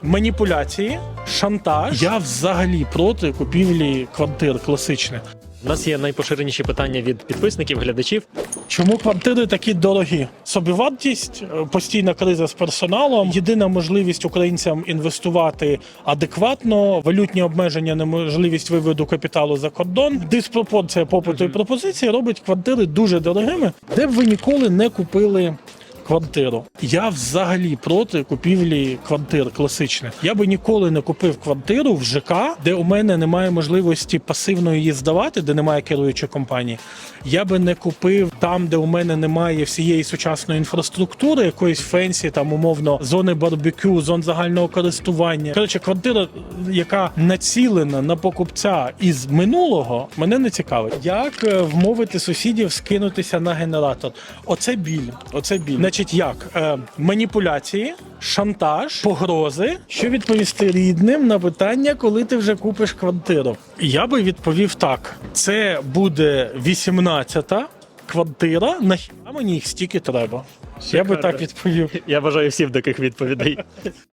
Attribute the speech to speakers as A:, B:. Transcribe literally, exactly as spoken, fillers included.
A: Маніпуляції, шантаж. Я взагалі проти купівлі квартир класичних.
B: У нас є найпоширеніші питання від підписників, глядачів.
A: Чому квартири такі дорогі? Собівартість, постійна криза з персоналом, єдина можливість українцям інвестувати адекватно, валютні обмеження, неможливість виводу капіталу за кордон, диспропорція попиту і пропозиції робить квартири дуже дорогими, де б ви ніколи не купили квартиру. Я взагалі проти купівлі квартир класичних. Я би ніколи не купив квартиру в ЖК, де у мене немає можливості пасивно її здавати, де немає керуючої компанії. Я би не купив там, де у мене немає всієї сучасної інфраструктури, якоїсь фенсі, там умовно, зони барбекю, зон загального користування. Коротше, квартира, яка націлена на покупця із минулого, мене не цікавить. Як е, вмовити сусідів скинутися на генератор? Оце біль. Оце біль. Значить, як? Е, маніпуляції, шантаж, погрози. Що відповісти рідним на питання, коли ти вже купиш квартиру? Я би відповів так. Це буде вісімнадцята квартира, нахіра мені їх стільки треба? Я би так відповів.
B: Я бажаю всім таких відповідей.